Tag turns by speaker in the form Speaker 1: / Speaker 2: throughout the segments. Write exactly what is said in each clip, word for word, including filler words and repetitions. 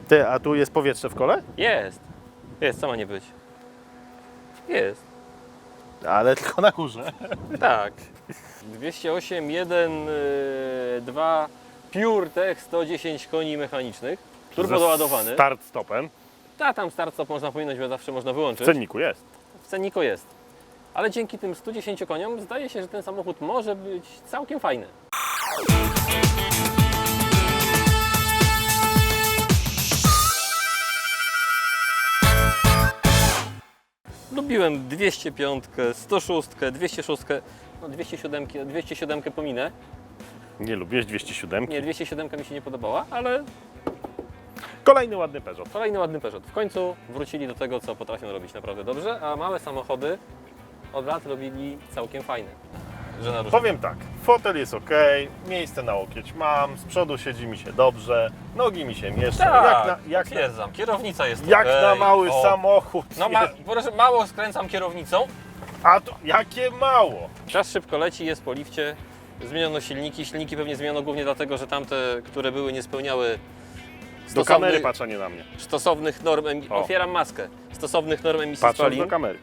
Speaker 1: Ty, a tu jest powietrze w kole?
Speaker 2: Jest. Jest, co ma nie być? Jest.
Speaker 1: Ale tylko na górze.
Speaker 2: Tak. dwieście osiem jeden dwa PureTech sto dziesięć koni mechanicznych. Turbo doładowany.
Speaker 1: Start stopem.
Speaker 2: Ta tam start stop można pominąć, bo zawsze można
Speaker 1: W
Speaker 2: wyłączyć.
Speaker 1: cenniku jest.
Speaker 2: W cenniku jest. Ale dzięki tym stu dziesięciu koniom zdaje się, że ten samochód może być całkiem fajny. Lubiłem dwieście pięć, sto sześć, dwieście sześć, no dwieście siedem, dwieście siedem pominę.
Speaker 1: Nie lubisz dwieście siedem?
Speaker 2: Nie, dwieście siedem mi się nie podobała, ale
Speaker 1: Kolejny ładny Peugeot.
Speaker 2: kolejny ładny Peugeot. W końcu wrócili do tego, co potrafią robić naprawdę dobrze, a małe samochody od lat robili całkiem fajne. Że na różne...
Speaker 1: Powiem tak, fotel jest ok, miejsce na łokieć mam, z przodu siedzi mi się dobrze, nogi mi się mieszczą.
Speaker 2: Tak,
Speaker 1: jak na, jak na,
Speaker 2: potwierdzam. Kierownica jest
Speaker 1: jak
Speaker 2: okej.
Speaker 1: na mały
Speaker 2: O.
Speaker 1: samochód.
Speaker 2: No ma,
Speaker 1: jest.
Speaker 2: proszę, mało skręcam kierownicą.
Speaker 1: A to jakie mało?
Speaker 2: Czas szybko leci, jest po lifcie. Zmieniono silniki. Silniki pewnie zmieniono głównie dlatego, że tamte, które były, nie spełniały
Speaker 1: Do kamery patrz, a nie na mnie.
Speaker 2: stosownych norm emisji.
Speaker 1: O.
Speaker 2: Otwieram maskę. Stosownych norm emisji
Speaker 1: Patrząc
Speaker 2: spalin.
Speaker 1: do kamery.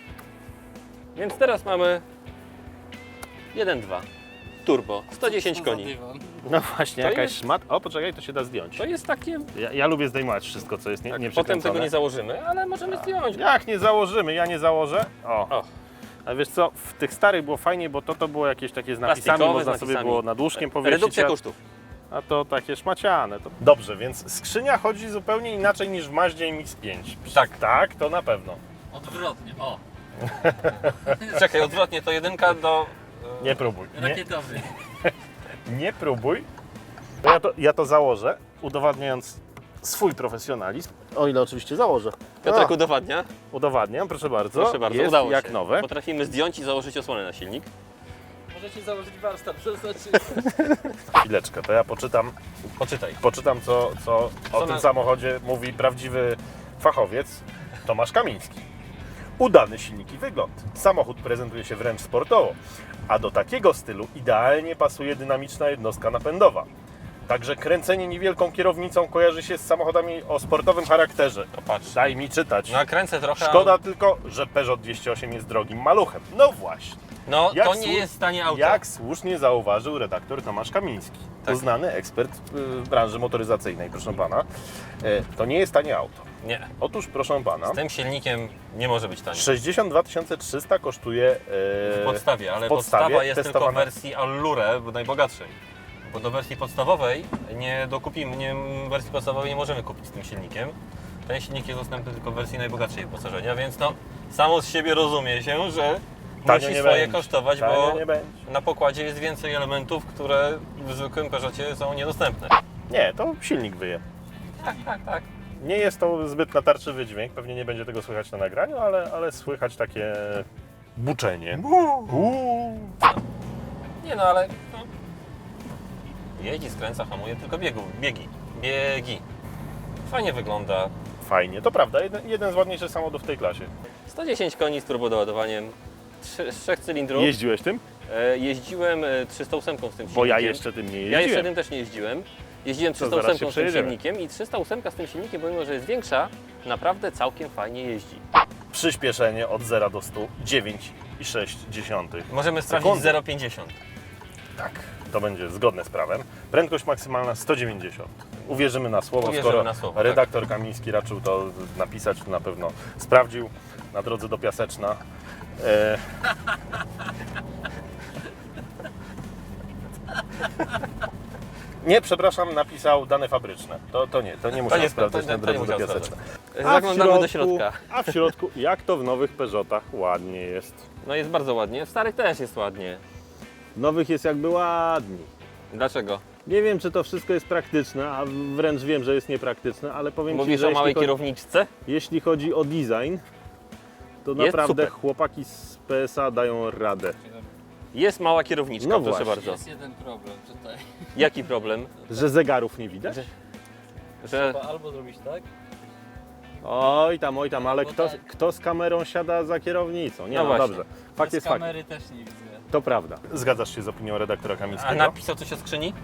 Speaker 2: Więc teraz mamy jeden dwa turbo, sto dziesięć koni.
Speaker 1: No właśnie,
Speaker 2: To
Speaker 1: jakaś
Speaker 2: jest-
Speaker 1: szmat. O, poczekaj, to się da zdjąć.
Speaker 2: To jest takie...
Speaker 1: Ja, ja lubię zdejmować wszystko, co jest nie,
Speaker 2: Tak,
Speaker 1: nie
Speaker 2: potem
Speaker 1: przykręcone.
Speaker 2: tego nie założymy, ale możemy zdjąć.
Speaker 1: Jak nie założymy? Ja nie założę. O.
Speaker 2: O.
Speaker 1: A wiesz co, w tych starych było fajnie, bo to, to było jakieś takie z napisami,
Speaker 2: Plastikowe,
Speaker 1: można
Speaker 2: z
Speaker 1: sobie
Speaker 2: napisami.
Speaker 1: było nad łóżkiem powiesić.
Speaker 2: Redukcja
Speaker 1: a-
Speaker 2: kosztów.
Speaker 1: A to takie szmaciane. To... Dobrze, więc skrzynia chodzi zupełnie inaczej niż w Mazdzie M X pięć.
Speaker 2: Tak.
Speaker 1: Tak, to na pewno.
Speaker 3: Odwrotnie, o,
Speaker 2: Czekaj, odwrotnie, to jedynka do...
Speaker 1: Nie próbuj. Nie,
Speaker 3: rakietowy.
Speaker 1: nie próbuj. To ja, to, ja to założę, udowadniając swój profesjonalizm. O ile oczywiście założę.
Speaker 2: Piotrek
Speaker 1: A,
Speaker 2: udowadnia.
Speaker 1: udowadniam, proszę bardzo.
Speaker 2: Proszę bardzo,
Speaker 1: Jest
Speaker 2: udało
Speaker 1: jak
Speaker 2: się.
Speaker 1: nowe.
Speaker 2: Potrafimy zdjąć i założyć osłonę na silnik.
Speaker 3: Możecie założyć warsztat, to znaczy...
Speaker 1: Chwileczkę, to ja poczytam,
Speaker 2: Poczytaj.
Speaker 1: poczytam co, co o
Speaker 2: Co
Speaker 1: tym
Speaker 2: na-
Speaker 1: samochodzie mówi prawdziwy fachowiec Tomasz Kamiński. Udany silnik i wygląd. Samochód prezentuje się wręcz sportowo, a do takiego stylu idealnie pasuje dynamiczna jednostka napędowa. Także kręcenie niewielką kierownicą kojarzy się z samochodami o sportowym charakterze.
Speaker 2: To patrz.
Speaker 1: Daj mi czytać.
Speaker 2: No kręcę trochę.
Speaker 1: Szkoda tylko, że Peugeot dwieście osiem jest drogim maluchem. No właśnie.
Speaker 2: No
Speaker 1: Jak
Speaker 2: to nie
Speaker 1: słu-
Speaker 2: jest tanie auto.
Speaker 1: Jak słusznie zauważył redaktor Tomasz Kamiński,
Speaker 2: Tak.
Speaker 1: uznany ekspert w branży motoryzacyjnej, proszę pana. E, To nie jest tanie auto.
Speaker 2: Nie.
Speaker 1: Otóż, proszę pana,
Speaker 2: Z tym silnikiem nie może być tanie.
Speaker 1: sześćdziesiąt dwa tysiące trzysta kosztuje e,
Speaker 2: W podstawie, ale
Speaker 1: w podstawie
Speaker 2: podstawa jest tylko w
Speaker 1: testowana-
Speaker 2: wersji Allure, bo najbogatszej. Bo do wersji podstawowej nie dokupimy, nie, wersji podstawowej nie możemy kupić z tym silnikiem. Ten silnik jest dostępny tylko w wersji najbogatszej wyposażenia, więc no samo z siebie rozumie się, że
Speaker 1: Tanio
Speaker 2: musi
Speaker 1: nie
Speaker 2: swoje
Speaker 1: będzie.
Speaker 2: kosztować,
Speaker 1: Tanio
Speaker 2: bo
Speaker 1: nie będzie.
Speaker 2: na pokładzie jest więcej elementów, które w zwykłym Peugeotie są niedostępne.
Speaker 1: Nie, to silnik wyje.
Speaker 2: Tak, tak, tak.
Speaker 1: Nie jest to zbyt natarczywy dźwięk, pewnie nie będzie tego słychać na nagraniu, ale, ale słychać takie buczenie. Uuu.
Speaker 2: Nie no, ale no, jeździ, skręca, hamuje, tylko biegu, biegi, biegi. Fajnie wygląda.
Speaker 1: Fajnie, to prawda, jeden, jeden z ładniejszych samochodów w tej klasie.
Speaker 2: sto dziesięć koni z turbodoładowaniem, trzy- z trzech cylindrów.
Speaker 1: Jeździłeś tym?
Speaker 2: E, Jeździłem e, trzysta osiem z tym silnikiem.
Speaker 1: Bo ja jeszcze tym nie jeździłem.
Speaker 2: Ja jeszcze tym też nie jeździłem. Jeździłem
Speaker 1: To
Speaker 2: trzysta
Speaker 1: zaraz
Speaker 2: osiem
Speaker 1: się
Speaker 2: z tym
Speaker 1: przejedziemy.
Speaker 2: silnikiem i trzysta osiem z tym silnikiem, pomimo że jest większa, naprawdę całkiem fajnie jeździ.
Speaker 1: Przyspieszenie od zera do stu dziewięć i sześć dziesiątych.
Speaker 2: Możemy sprawdzić
Speaker 1: Sekundy.
Speaker 2: zero przecinek pięćdziesiąt.
Speaker 1: Tak, to będzie zgodne z prawem. Prędkość maksymalna sto dziewięćdziesiąt. Uwierzymy na słowo,
Speaker 2: Uwierzymy
Speaker 1: skoro
Speaker 2: na słowo, tak.
Speaker 1: redaktor Kamiński raczył to napisać, to na pewno sprawdził na drodze do Piaseczna. E... Nie, przepraszam, napisał dane fabryczne. To, to nie, to nie musiał
Speaker 2: nie-
Speaker 1: sprawdzać
Speaker 2: to- to-
Speaker 1: na
Speaker 2: to nie
Speaker 1: drodze do
Speaker 2: musiał
Speaker 1: Piaseczna.
Speaker 2: Zaglądamy do środka.
Speaker 1: A w środku, jak to w nowych Peugeotach, ładnie jest.
Speaker 2: No jest bardzo ładnie, w starych też jest ładnie.
Speaker 1: Nowych jest jakby ładniej.
Speaker 2: Dlaczego?
Speaker 1: Nie wiem, czy to wszystko jest praktyczne, a wręcz wiem, że jest niepraktyczne, ale powiem Ci,
Speaker 2: Mówisz
Speaker 1: że
Speaker 2: o małej
Speaker 1: jeśli, chodzi,
Speaker 2: kierowniczce?
Speaker 1: jeśli chodzi o design, to
Speaker 2: Jest
Speaker 1: naprawdę
Speaker 2: super.
Speaker 1: chłopaki z P S A dają radę.
Speaker 2: Jest mała kierowniczka,
Speaker 1: No
Speaker 2: proszę
Speaker 1: właśnie.
Speaker 2: bardzo.
Speaker 3: Jest jeden problem tutaj.
Speaker 2: Jaki problem?
Speaker 1: Że zegarów nie widać?
Speaker 2: Że- Że
Speaker 3: Trzeba albo zrobić tak,
Speaker 1: Oj tam, oj tam, ale
Speaker 3: No
Speaker 1: kto,
Speaker 3: tak.
Speaker 1: kto z kamerą siada za kierownicą? Nie
Speaker 2: No
Speaker 1: no,
Speaker 2: właśnie.
Speaker 1: dobrze. Fakt
Speaker 3: bez
Speaker 1: jest fakt.
Speaker 3: kamery też nie widzę.
Speaker 1: To prawda. Zgadzasz się z opinią redaktora
Speaker 2: A
Speaker 1: Kamińskiego?
Speaker 2: napisał coś o skrzyni?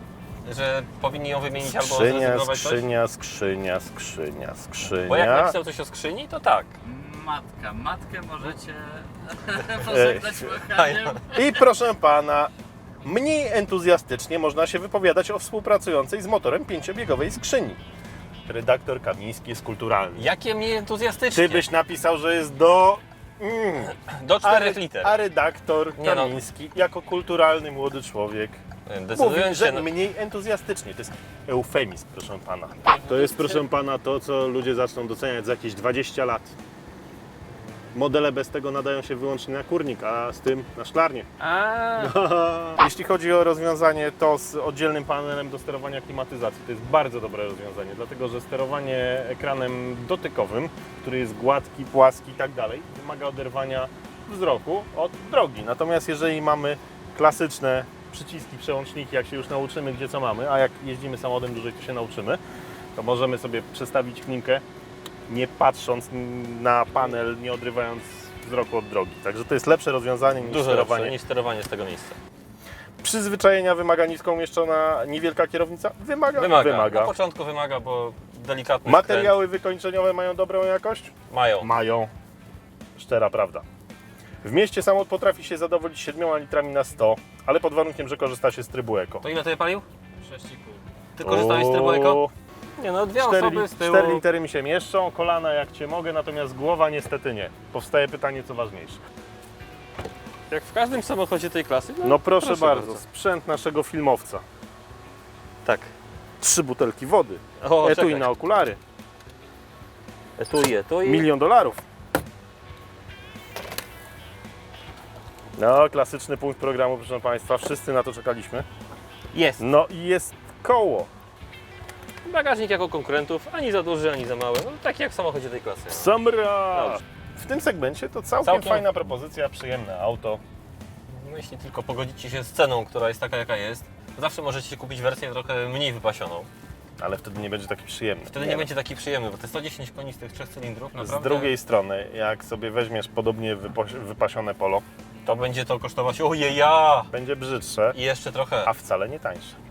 Speaker 2: że powinni ją wymienić albo
Speaker 1: Skrzynia,
Speaker 2: zrezygnować coś?
Speaker 1: skrzynia, skrzynia, skrzynia, skrzynia.
Speaker 2: Bo jak napisał coś o skrzyni, to tak.
Speaker 3: Matka. Matkę możecie pożegnać machaniem.
Speaker 1: I proszę pana, mniej entuzjastycznie można się wypowiadać o współpracującej z motorem pięciobiegowej skrzyni. Redaktor Kamiński jest kulturalny.
Speaker 2: Jakie mniej entuzjastycznie?
Speaker 1: Ty byś napisał, że jest do... Mm,
Speaker 2: Do
Speaker 1: a,
Speaker 2: czterech
Speaker 1: re-
Speaker 2: liter.
Speaker 1: a redaktor
Speaker 2: Nie no.
Speaker 1: Kamiński, jako kulturalny młody człowiek, mówi,
Speaker 2: Decydując
Speaker 1: że
Speaker 2: się na...
Speaker 1: mniej entuzjastycznie. To jest eufemizm, proszę pana. To jest, proszę pana, to, co ludzie zaczną doceniać za jakieś dwadzieścia lat. Modele bez tego nadają się wyłącznie na kurnik, a z tym na szklarnię.
Speaker 2: A,
Speaker 1: Jeśli chodzi o rozwiązanie to z oddzielnym panelem do sterowania klimatyzacji, to jest bardzo dobre rozwiązanie, dlatego że sterowanie ekranem dotykowym, który jest gładki, płaski i tak dalej, wymaga oderwania wzroku od drogi. Natomiast jeżeli mamy klasyczne przyciski, przełączniki, jak się już nauczymy, gdzie co mamy, a jak jeździmy samochodem dłużej, to się nauczymy, to możemy sobie przestawić klimkę, nie patrząc na panel, nie odrywając wzroku od drogi. Także to jest lepsze rozwiązanie niż
Speaker 2: dużo
Speaker 1: sterowanie.
Speaker 2: lepsze niż sterowanie z tego miejsca.
Speaker 1: Przyzwyczajenia wymaga nisko umieszczona niewielka kierownica? Wymaga.
Speaker 2: Wymaga. Na początku wymaga, bo delikatny
Speaker 1: Materiały wykończeniowe mają dobrą jakość?
Speaker 2: skręt mają.
Speaker 1: Mają. Szczera prawda. W mieście samochód potrafi się zadowolić siedmioma litrami na sto, ale pod warunkiem, że korzysta się z trybu eko.
Speaker 2: To ile ty palił?
Speaker 3: sześć i pół.
Speaker 2: Ty korzystałeś z trybu eko?
Speaker 1: O,
Speaker 2: Nie no, dwie
Speaker 1: cztery
Speaker 2: osoby
Speaker 1: li-
Speaker 2: z tyłu.
Speaker 1: cztery litery mi się mieszczą, kolana jak cię mogę, natomiast głowa niestety nie. Powstaje pytanie, co ważniejsze.
Speaker 2: Jak w każdym samochodzie tej klasy.
Speaker 1: No proszę, bardzo, sprzęt naszego filmowca.
Speaker 2: Tak.
Speaker 1: Trzy butelki wody,
Speaker 2: O,
Speaker 1: etui
Speaker 2: czekaj.
Speaker 1: na okulary,
Speaker 2: Etui, etui.
Speaker 1: milion dolarów. No, klasyczny punkt programu, proszę Państwa, wszyscy na to czekaliśmy.
Speaker 2: Jest.
Speaker 1: No i jest koło.
Speaker 2: Bagażnik jako konkurentów, ani za duży, ani za mały. No, taki jak w samochodzie tej klasy.
Speaker 1: Samra!
Speaker 2: Dobrze.
Speaker 1: W tym segmencie to całkiem,
Speaker 2: Całkiem-
Speaker 1: fajna propozycja, przyjemne auto.
Speaker 2: No, jeśli tylko pogodzicie się z ceną, która jest taka jaka jest, zawsze możecie kupić wersję trochę mniej wypasioną.
Speaker 1: Ale wtedy nie będzie taki przyjemny.
Speaker 2: Wtedy nie, będzie taki przyjemny, bo te sto dziesięć koni z tych trzech cylindrów
Speaker 1: Z
Speaker 2: naprawdę
Speaker 1: drugiej strony, jak sobie weźmiesz podobnie wypo- wypasione polo,
Speaker 2: to będzie to kosztować ojeja
Speaker 1: będzie brzydsze,
Speaker 2: i jeszcze trochę.
Speaker 1: a wcale nie tańsze.